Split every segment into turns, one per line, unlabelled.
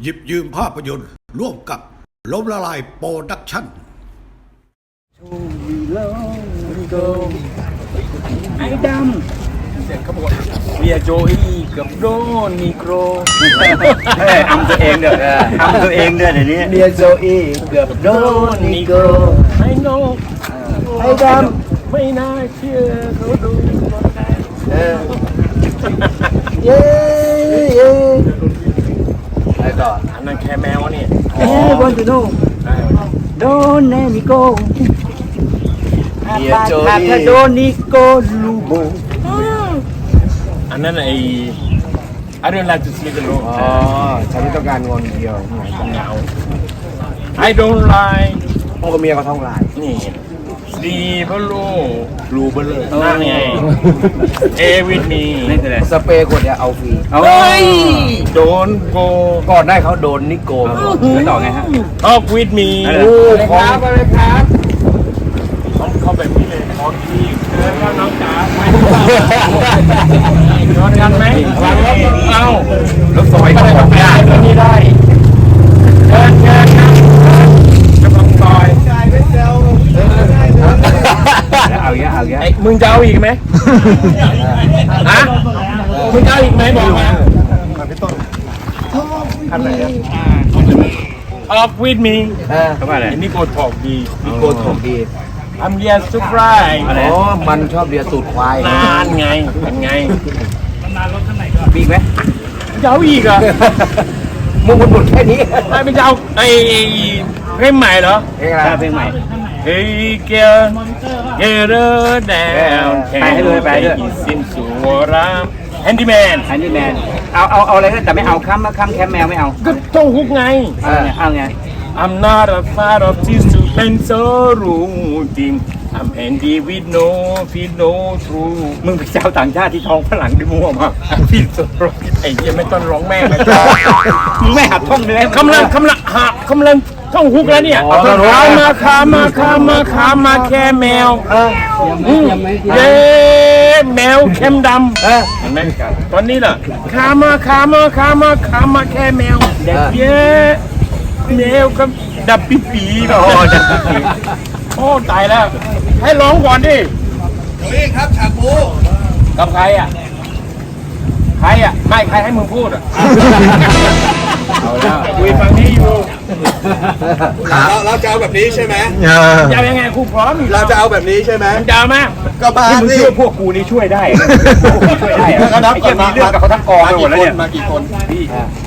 หยิบยืมภาพยนตร์ร่วมกับล้มละลายโปรดักชั่น
ไอ้ดำเสร็จเขาบอกเบียโจอี้กับโดนิโกร
อำตัวเองเด้ออำตัวเองเด้อเดี๋ยวนี้
เบียโจอี้กับโดนิโกรไอ้โนไอ้ดำไม่น่าเชื่อเขาดูคนแรกเย้เย้ไปต่ออันนั้นแค่แมวนี่
วันจะดูโดนนิโก
เบียโจอี้
โดนิโกลูโบ
อันนั้นไอ้ I don't like to sleep alone
อ๋อฉันไม่ต้องการงอนเดียว
เหงา I don't like
พ่อกับเมียก็ท้องลาย
นี่ดีเพราะลูกรูเบลเลยนั่นไงเอวิทมี
สเปรย์ขวดเดียวเอาฟรี
เฮ้ยโดนโก
ก่อนได้เขาโดนนิโกแล้วต่อไงฮะ
ออกวิทมีครับอะไรครับเขาแบบนี้เลยขอทีเดินแล้วน้องจ๋าไปนอนกันไหมเอา
รถซอยก็
ได้นี่ได้เดินนะกำลังซอย
เอาเยอะเอาเยอะ
มึงจะเอาอีกไหมฮะมึงจะเอาอีกไหมบอกมาคันไหนออกวิดมี
เขาว่าอะไร
นี่โกถกดี
นิโกถกดี
ทำเรียนซุปไร
อ๋อมันชอบเรียนตูดควาย
นานไงเป็นไง
นานรถข้างไหนก็ปีกไหม
จะเอาอีกอ่ะ
มึงหมดแค่นี้
ไม่จะเอาไอ้เพลงใหม่เหรอ
เพลงใหม่
เฮ้ยเกียร์เกียร์แดง
ไปให้เลยไปเลย
สินสุรามแฮนดี้แมน
เอาอะไรก็แต่ไม่เอาค้ำแคมแมวไม่เอา
ก็ต้องฮุกไง
เอาไง
I'm not a fan of this to pencil routine I'm handy with no feel no true
มึงไปเจ้าต่างชาติที่ท้องฝรั่งดิมั่วมาก
พี่สุดไอ้ยังไม่ต้องร้องแม่เลย
มึงไม่หัดท่องเลย
กำลังท่องฮุกแล้วเนี่ยมาแค่แมวเย้แมวเข้มดำเห็นไหมตอนนี้ล่ะขามาแค่แมวเด็กเย้แมวกับดับปีโอ้ตายแล้วให้ร้องก่อนดิ
นี่ครับฉากบู
กับใครอ่ะไม่ใครให้มึงพูดอ่ะเอาแล้วคุยฟังนี้อยู่
เราจะเอาแบบนี้ใช่ไหม
จะยังไงครูพร้อม
เราจะเอาแบบนี้ใช่ไหม
จะเอาไหม
ก็มา
มึงช่วยพวกกูนี่ช่วยได้ช่วยได้
ก็นับก่อน
มีเรื่องกับเขาทั้งกองไปหมดแล้วเนี่ย
มากี่คน
พี่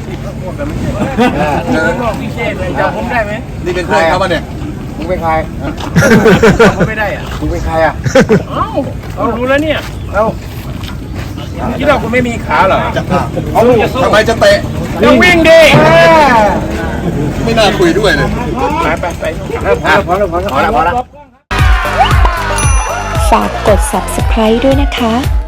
พิเศษเลยจำผมได้ไหม
นี่เป็นเพื่อนเขาป่ะเนี่ย
มึงเป็นใคร
ผมไม่ได้อ่ะ
มึงเป็นใครอ่ะ
เรารู้แล้วเนี่ยคิดว่าคุณไม่มีขาเหรอ
เอาทำไมจะเตะ
จะวิ่งดิ
ไม่น่าคุยด้วยเลย
ไป
พอแล้ว
ฝากกด subscribe ด้วยนะคะ